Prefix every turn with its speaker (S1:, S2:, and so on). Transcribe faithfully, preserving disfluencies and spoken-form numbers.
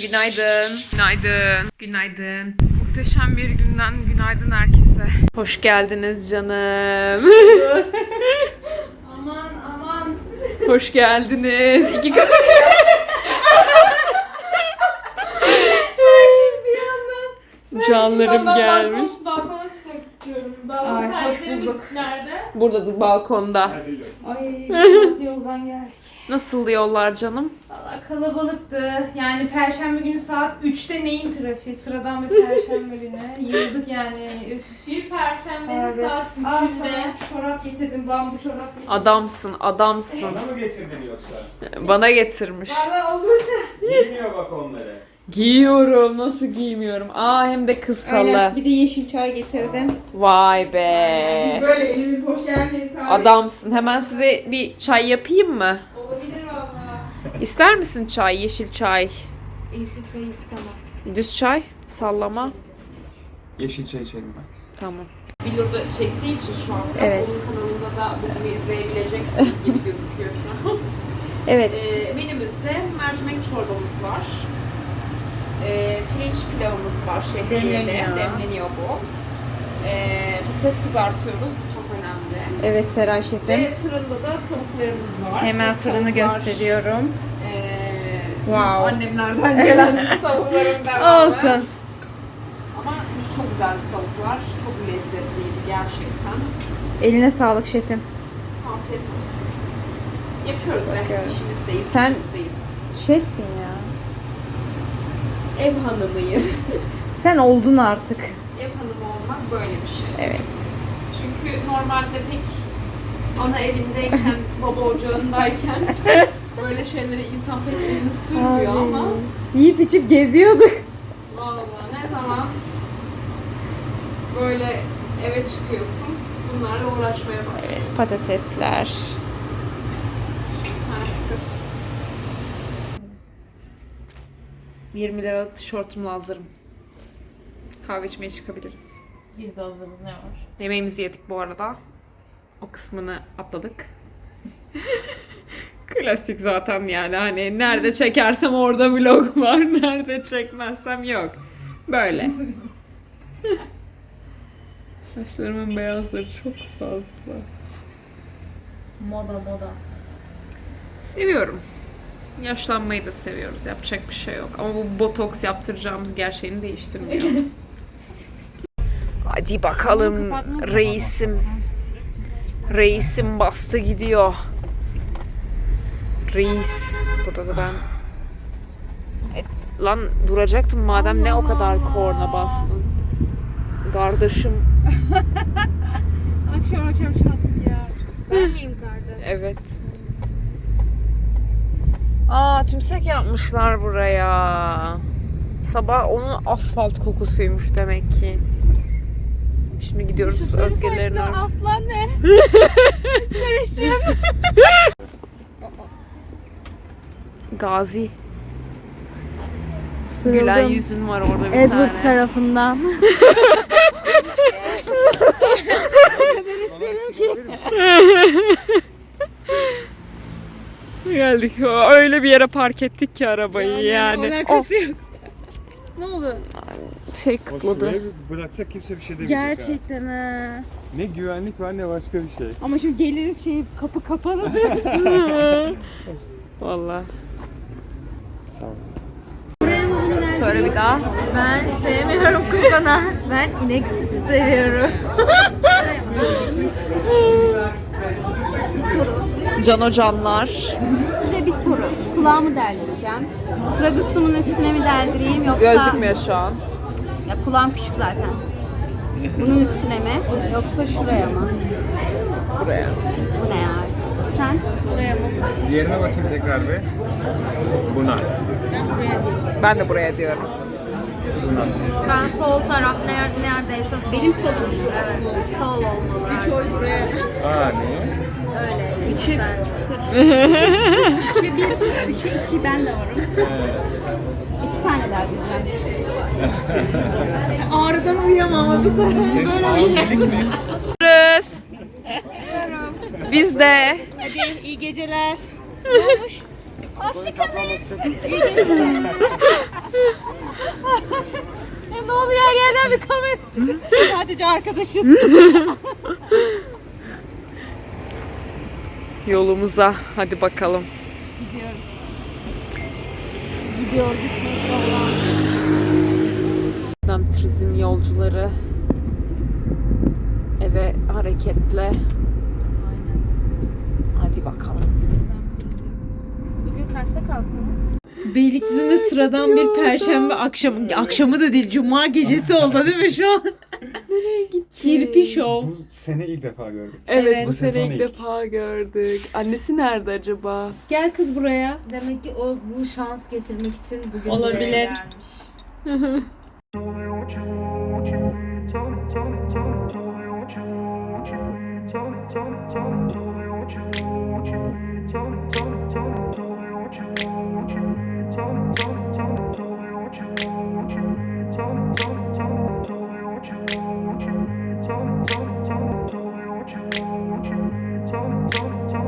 S1: Günaydın. Günaydın. Günaydın. Muhteşem bir günden günaydın herkese. Hoş geldiniz canım.
S2: Aman aman.
S1: Hoş geldiniz. İki kat.
S2: Herkes bir yandan.
S1: Canlarım
S2: Ben
S1: gelmiş.
S2: Balkon, balkona çıkmak istiyorum. Balkon
S1: Ay, hoş
S2: sergileri
S1: bulduk.
S2: nerede?
S1: Burada balkonda.
S2: Ay bir saat yoldan geldik.
S1: Nasıl yollar canım?
S2: Valla kalabalıktı. Yani perşembe günü saat üçte neyin trafiği? Sıradan bir perşembe günü. Yıldık yani. Üf. Bir perşembenin saat üçünde. Çorap getirdim. Bambu çorap getirdim.
S1: Adamsın, adamsın.
S3: Bana mı getirdin yoksa?
S1: Bana getirmiş.
S2: Valla olursa.
S3: Giymiyor bak onları.
S1: Giyiyorum, nasıl giymiyorum? Aa hem de kıssalı.
S2: Aynen. Bir de yeşil çay getirdim.
S1: Vay be.
S2: Biz böyle elimiz boş gelmeyiz.
S1: Adamsın. Hemen size bir çay yapayım mı?
S2: Olabilir valla.
S1: İster misin çay, yeşil çay?
S2: Yeşil çay istemem.
S1: Düz çay, sallama.
S3: Yeşil çay içelim ben.
S1: Tamam.
S4: Vlog'da çektiği için şu anda
S1: Evet.
S4: onun kanalında da bugün izleyebileceksiniz gibi gözüküyor şu an.
S1: Evet.
S4: Ee, menümüzde mercimek çorbamız var. Ee, pirinç pilavımız var şehriyeli.
S1: Demleniyor.
S4: Demleniyor bu. Ee, patates kızartıyoruz. Bu çok önemli.
S1: Evet Seray şefim.
S4: Ve fırında da tavuklarımız var.
S1: Hemen
S4: Bu
S1: fırını
S4: tavuklar,
S1: gösteriyorum.
S4: ee,
S1: Wow.
S4: Annemlerden gelen tavukların devamı.
S1: Olsun.
S4: Ama çok güzeldi tavuklar. Çok lezzetliydi gerçekten.
S1: Eline sağlık şefim.
S4: Afiyet olsun. Yapıyoruz be.
S1: Bakıyoruz.
S4: İşimizdeyiz.
S1: Sen-
S4: işimizdeyiz.
S1: Şefsin ya.
S4: Ev hanımıyım.
S1: Sen oldun artık.
S4: Ev hanımı olmak böyle bir şey.
S1: Evet.
S4: Çünkü normalde pek ana evindeyken, baba ocağındayken böyle şeylere insan pek elini sürmüyor ama
S1: Yiyip içip geziyorduk.
S4: vallahi ne zaman böyle eve çıkıyorsun bunlarla uğraşmaya başlıyorsun.
S1: Patatesler.
S4: Bir tane
S1: yirmi liralık tişörtümle hazırım. Kahve içmeye çıkabiliriz.
S2: Biz de hazırız, ne var?
S1: Yemeğimizi yedik bu arada. O kısmını atladık. Klasik zaten yani hani nerede çekersem orada vlog var, nerede çekmezsem yok. Böyle. Saçlarımın beyazları çok fazla.
S2: Moda moda.
S1: Seviyorum. Yaşlanmayı da seviyoruz. Yapacak bir şey yok. Ama bu botoks yaptıracağımız gerçeğini değiştirmiyor. Hadi bakalım reisim. Reisim bastı gidiyor. Reis. Burada da ben... E, lan duracaktım madem ne o kadar korna bastın. Kardeşim.
S2: Akşam akşam çattık ya. Ben miyim kardeş?
S1: Evet. Aa tümsek yapmışlar buraya. Sabah onun asfalt kokusuymuş demek ki. Şimdi gidiyoruz Özge'lerin oraya.
S2: Aslan ne? Sarışın.
S1: Gazi.
S5: Sırıldım.
S1: Gülen yüzün var orada bir
S5: Edward
S1: tane.
S5: tarafından.
S1: Geldik. Öyle bir yere park ettik ki arabayı yani.
S2: Alakası yok. Ne oldu?
S1: Oh, şey kıtladı.
S3: Şuraya bir bıraksak kimse bir şey demeyecek ha.
S2: Gerçekten ha.
S3: Ne güvenlik var ne başka bir şey.
S2: Ama şimdi geliriz şey kapı kapalı.
S1: Vallahi.
S3: Sağ ol.
S1: Söyle bir daha.
S5: Ben sevmiyorum kokona. Ben inek sütü seviyorum.
S1: Cano canlar.
S5: Size bir soru. Kulağımı deldireceğim. Tragusumun üstüne mi deldireyim yoksa...
S1: Gözükmüyor şu an.
S5: Ya kulağım küçük zaten. Bunun üstüne mi yoksa şuraya mı?
S1: Buraya.
S5: Bu ne ya? Sen buraya mı?
S3: Diğerine bakayım tekrar bir. Buna.
S1: Ben de buraya diyorum.
S3: Buna.
S5: Ben sol taraf ner- neredeyse sol. Benim solum. Evet. Sol olmalı. Üç oy buraya.
S3: Aa niye?
S5: Öyle. Üçe sıfır. Üçe bir, üçe iki ben de varım. İki tane daha diyeceğim.
S2: Ağrıdan uyuyamam ama bir sonra.
S3: Böyle uyuyacaksın.
S1: Görüşürüz. Biz de.
S5: Hadi iyi geceler. Ne olmuş? Hoşçakalın. İyi geceler.
S2: güzel bir kamera. Sadece arkadaşız.
S1: Yolumuza hadi bakalım.
S2: Gidiyoruz. Gidiyor gitmek valla.
S1: Buradan turizm yolcuları eve hareketle. Hadi bakalım.
S5: Bugün kaçta kalktınız?
S2: Beylikdüzü'nde sıradan bir perşembe akşamı, akşamı da değil cuma gecesi oldu değil mi şu an? Nereye gittik? Kirpi Show.
S3: Bu sene ilk defa gördük.
S1: Evet,
S2: Evet.
S1: bu sene
S3: Sezon
S1: ilk
S3: ilk.
S1: defa gördük. Annesi nerede acaba?
S2: Gel kız buraya.
S5: Demek ki o bu şans getirmek için bugün
S2: Olabilir.
S5: buraya gelmiş.